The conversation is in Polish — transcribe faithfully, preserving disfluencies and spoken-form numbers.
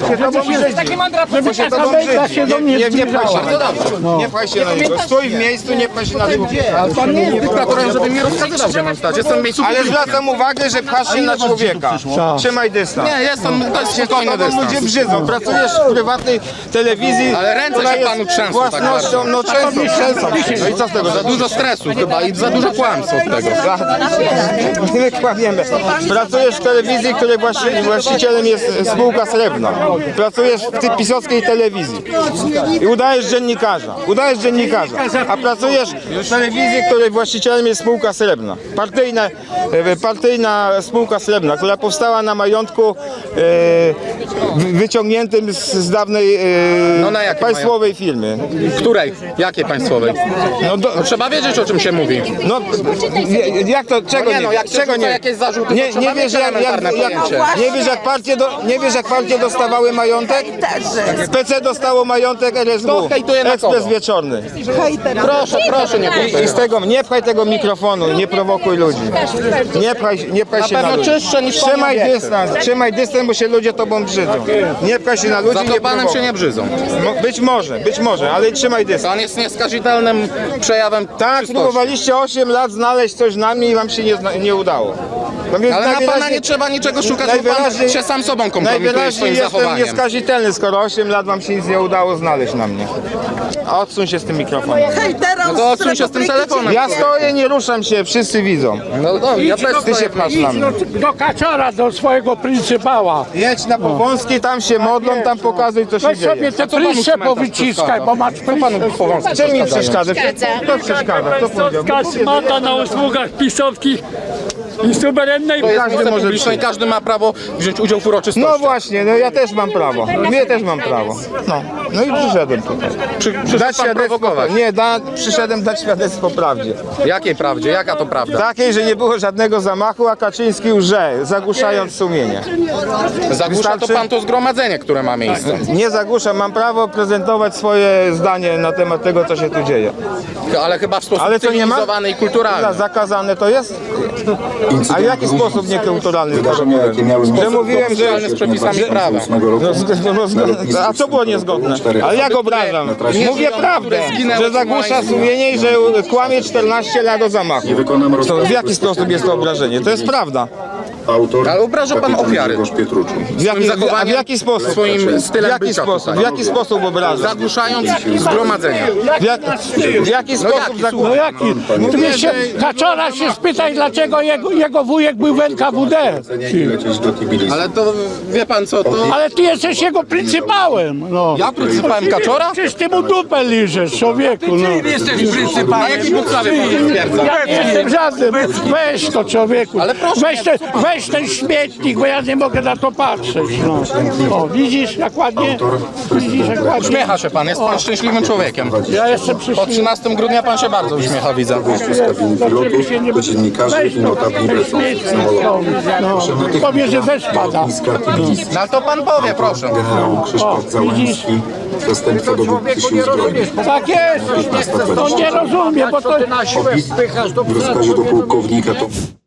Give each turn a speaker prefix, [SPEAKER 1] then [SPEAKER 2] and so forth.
[SPEAKER 1] się tobą brzydzi. Bo się tobą brzydzi. Nie, nie, nie pchaj się. Bardzo dobrze. Nie pchaj się na niego. Stój w miejscu, nie pchaj się na niego.
[SPEAKER 2] Ale pan nie jest dyktatorem, żeby mi rozkazywał, gdzie mam stać. Jestem w miejscu.
[SPEAKER 1] Ale zwracam uwagę, że pchasz się na człowieka. Trzymaj dystans.
[SPEAKER 2] Nie, jestem, to jest spokojny
[SPEAKER 1] Tobą
[SPEAKER 2] dystans.
[SPEAKER 1] ludzie brzydzą. Pracujesz w prywatnej telewizji.
[SPEAKER 2] Ale ręce
[SPEAKER 1] która
[SPEAKER 2] się
[SPEAKER 1] jest
[SPEAKER 2] panu trzęsą tak
[SPEAKER 1] własnością, no często, często. No i co z tego?
[SPEAKER 2] Za dużo stresu chyba i za dużo kłamstw od tego.
[SPEAKER 1] My kłamiemy. Pracujesz w telewizji, której właści właścicielem jest spółka Srebrna. Pracujesz w tej pisowskiej telewizji i udajesz dziennikarza. Udajesz dziennikarza, a pracujesz w telewizji, której właścicielem jest spółka Srebrna. Partyjna, e, partyjna spółka Srebrna, która powstała na majątku e, wyciągniętym z, z dawnej e,
[SPEAKER 2] No na jakim
[SPEAKER 1] państwowej firmy.
[SPEAKER 2] Której? Jakiej państwowej?
[SPEAKER 1] No, do,
[SPEAKER 2] No trzeba wiedzieć, o czym się mówi.
[SPEAKER 1] no jak to, czego
[SPEAKER 2] No nie,
[SPEAKER 1] nie,
[SPEAKER 2] no, jak
[SPEAKER 1] czego
[SPEAKER 2] się
[SPEAKER 1] nie,
[SPEAKER 2] jakieś zarzuty, to
[SPEAKER 1] nie,
[SPEAKER 2] trzeba
[SPEAKER 1] nie
[SPEAKER 2] mieć
[SPEAKER 1] wiesz jak, jak,
[SPEAKER 2] elementarne
[SPEAKER 1] jak,
[SPEAKER 2] pojęcie.
[SPEAKER 1] nie wiesz jak partie, do, nie wiesz jak partie dostawały majątek? P C dostało majątek R S W,
[SPEAKER 2] No, hejtuje na
[SPEAKER 1] Ekspres
[SPEAKER 2] kogo?
[SPEAKER 1] Wieczorny.
[SPEAKER 2] Proszę, proszę, nie
[SPEAKER 1] I, I z tego, nie pchaj tego mikrofonu, nie prowokuj ludzi. Nie pchaj, nie pchaj
[SPEAKER 2] Na
[SPEAKER 1] się na
[SPEAKER 2] pewno
[SPEAKER 1] ludzi.
[SPEAKER 2] czystsze niż pan
[SPEAKER 1] Trzymaj
[SPEAKER 2] obiekty.
[SPEAKER 1] dystans, trzymaj dystans, bo się ludzie tobą brzydzą. Nie pchaj się na ludzi,
[SPEAKER 2] Za
[SPEAKER 1] nie
[SPEAKER 2] to panem
[SPEAKER 1] prowokuj.
[SPEAKER 2] się nie brzydzą.
[SPEAKER 1] Mo- Być może, być może, ale trzymaj dystans.
[SPEAKER 2] Pan jest nieskazitelnym przejawem
[SPEAKER 1] Tak,
[SPEAKER 2] czystości.
[SPEAKER 1] próbowaliście osiem lat znaleźć coś na mnie i wam się nie, zna- nie udało. No więc
[SPEAKER 2] Ale na pana
[SPEAKER 1] najwyraźniej-
[SPEAKER 2] nie trzeba niczego szukać, bo pan
[SPEAKER 1] najwyraźniej-
[SPEAKER 2] się sam sobą kompromituje
[SPEAKER 1] Najwyraźniej
[SPEAKER 2] swoim
[SPEAKER 1] jestem
[SPEAKER 2] zachowaniem.
[SPEAKER 1] nieskazitelny, skoro osiem lat wam się nic nie udało znaleźć na mnie. A odsuń się z tym mikrofonem.
[SPEAKER 2] No to odsuń się z tym telefonem.
[SPEAKER 1] Ja stoję, nie ruszam się, wszyscy widzą.
[SPEAKER 2] No, no ja też
[SPEAKER 1] Ty się
[SPEAKER 2] stoję.
[SPEAKER 1] pchasz na mnie.
[SPEAKER 3] Do kaczora, do swojego pryncypała.
[SPEAKER 1] Jedź na Powązki, tam się modlą, tam pokazuj co się
[SPEAKER 3] Weź sobie
[SPEAKER 1] dzieje.
[SPEAKER 3] te
[SPEAKER 2] co panu
[SPEAKER 3] pryszcze
[SPEAKER 2] cmentarz
[SPEAKER 3] powyciskaj, bo masz
[SPEAKER 2] Panu
[SPEAKER 3] pryszcze.
[SPEAKER 2] Powązki
[SPEAKER 1] Czym mi
[SPEAKER 2] przeszkadzają?
[SPEAKER 1] przeszkadza? Kto przeszkadza? Kto powiedział?
[SPEAKER 3] Szmata na usługach pisowskich i suwerennej.
[SPEAKER 2] To jest
[SPEAKER 1] Każdy
[SPEAKER 2] miejsce
[SPEAKER 1] może
[SPEAKER 2] publiczne i każdy ma prawo wziąć udział w uroczystości.
[SPEAKER 1] No właśnie, no ja też mam prawo. Ja też mam prawo. No, no i przyszedłem tutaj.
[SPEAKER 2] Przy, przyszedł
[SPEAKER 1] Dać
[SPEAKER 2] pan
[SPEAKER 1] świadectwo.
[SPEAKER 2] prowokować.
[SPEAKER 1] Nie, da, przyszedłem dać świadectwo prawdzie.
[SPEAKER 2] Jakiej prawdzie? Jaka to prawda?
[SPEAKER 1] Takiej, że nie było żadnego zamachu, a Kaczyński łże, zagłuszając sumienie.
[SPEAKER 2] Zagłusza to
[SPEAKER 1] Wystarczy?
[SPEAKER 2] pan to zgromadzenie, które ma miejsce.
[SPEAKER 1] Nie zagłuszam, mam prawo prezentować swoje zdanie na temat tego, co się tu dzieje.
[SPEAKER 2] Ale chyba w sposób
[SPEAKER 1] Ale to nie ma?
[SPEAKER 2] cywilizowany i
[SPEAKER 1] Za-
[SPEAKER 2] kulturalny.
[SPEAKER 1] Zakazane to jest? A w jaki sposób niekulturalny?
[SPEAKER 4] Wydarzenia, jakie miały miejsce
[SPEAKER 1] Że mówiłem, że...
[SPEAKER 2] Zgodnie z przepisami prawa.
[SPEAKER 1] No, zg- no, zg- a co było niezgodne? Ale jak obrażam? Mówię prawdę, że zagłusza sumienie i że kłamie czternaście lat o zamachu.
[SPEAKER 4] Wykonam
[SPEAKER 1] To
[SPEAKER 4] rozkaz
[SPEAKER 1] w jaki sposób jest to obrażenie? To jest prawda.
[SPEAKER 4] autor.
[SPEAKER 2] Ale obraża pan
[SPEAKER 4] kapitan
[SPEAKER 2] ofiary.
[SPEAKER 4] Grzegorz Pietruczyk.
[SPEAKER 1] W jaki, a w
[SPEAKER 2] zachowaniem,
[SPEAKER 1] jaki sposób?
[SPEAKER 2] swoim
[SPEAKER 1] W
[SPEAKER 2] stylem
[SPEAKER 1] jaki
[SPEAKER 2] bycia
[SPEAKER 1] sposób? W
[SPEAKER 2] tutaj.
[SPEAKER 1] jaki sposób obrażam?
[SPEAKER 2] Zagłuszając zgromadzenie.
[SPEAKER 1] W, jak, w jaki sposób
[SPEAKER 2] jaki,
[SPEAKER 1] zagłusza?
[SPEAKER 3] No jaki? Ty się, kaczora się spytaj, dlaczego jego, jego wujek był w N K W D.
[SPEAKER 4] I lecieć do Tbilisi.
[SPEAKER 2] Ale to wie pan co, to...
[SPEAKER 3] Ale ty jesteś jego pryncypałem. No.
[SPEAKER 2] Ja pryncypałem Kaczora?
[SPEAKER 3] Przecież ty mu dupę liżesz, człowieku. No.
[SPEAKER 2] Na jakiej podstawie pan stwierdza?
[SPEAKER 3] Ja nie jestem żadnym. Weź to, człowieku.
[SPEAKER 2] Ale proszę
[SPEAKER 3] Weź ten, weź ten śmietnik, bo ja nie mogę na to patrzeć. No. O, widzisz jak ładnie? Widzisz jak ładnie?
[SPEAKER 2] Uśmiecha się pan, jest pan szczęśliwym człowiekiem.
[SPEAKER 3] Ja jestem przy
[SPEAKER 2] Po trzynastego grudnia pan się bardzo uśmiecha, widzę.
[SPEAKER 4] Z kabiny pilotów do dziennikarzy i notabli weszło samolotu.
[SPEAKER 3] No, powie, że deszcz pada.
[SPEAKER 4] Lotniska Tbilisi.
[SPEAKER 2] No ale to pan powie, proszę.
[SPEAKER 4] Generał Krzysztof Załański, zastępca dowódcy sił zbrojnych.
[SPEAKER 3] Tak jest. On nie rozumie, bo to...
[SPEAKER 4] W rozkazie do pułkownika to